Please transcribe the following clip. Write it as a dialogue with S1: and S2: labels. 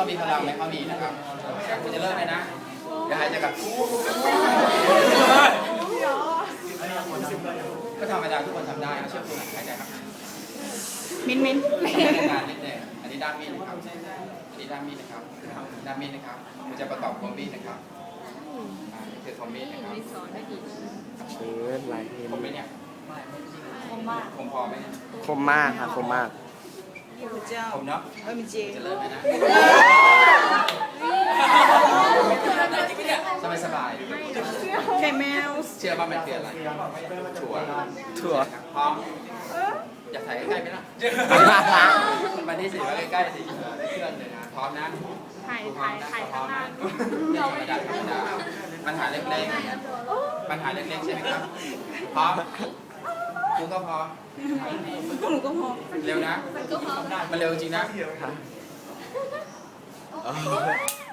S1: มีพลังไหมเขามีนะครับแต่คุณจะเลิกไหมนะเดี๋ยวหายใจกับก็ธรรมดาทุกคนทำได้เชื่อคุณหายใจครับ
S2: มิ้น
S1: การนิดเดียวอันนี้ด้ามมีดนะครับอันนี้ด้ามมีดนะครับด้ามมีดนะครับมันจะประกอบคอมมีดนะครับนี่คือคอมมีดนะครับ
S3: เชิญลายเห็น
S1: คมไหมเนี่ยคมมากคมพอไหมเนี่ย
S3: คมมากค่ะคมมาก
S1: คมเนาะ
S2: มีเจ
S1: จะเลิกไหมนะสบายสบาย
S2: ไข่แมว
S1: เชื่อว่ามันคืออะไรถั่ว
S3: ถั่ว
S1: พร้อมอยากถ่ายใกล้ๆไหมล่ะมาที่สิว่าใกล้ๆสิได้เคลื่อนเลยนะพร้อมนะ
S2: ถ่ายข้างล่าง
S1: ธรรมดาธรรมดาปัญหาเล็กๆปัญหาเล็กๆใช่ไหมครับพร้อมคุณก็พร้อม
S2: หนูก็พอ
S1: เร็วนะมันเร็วจริงนะ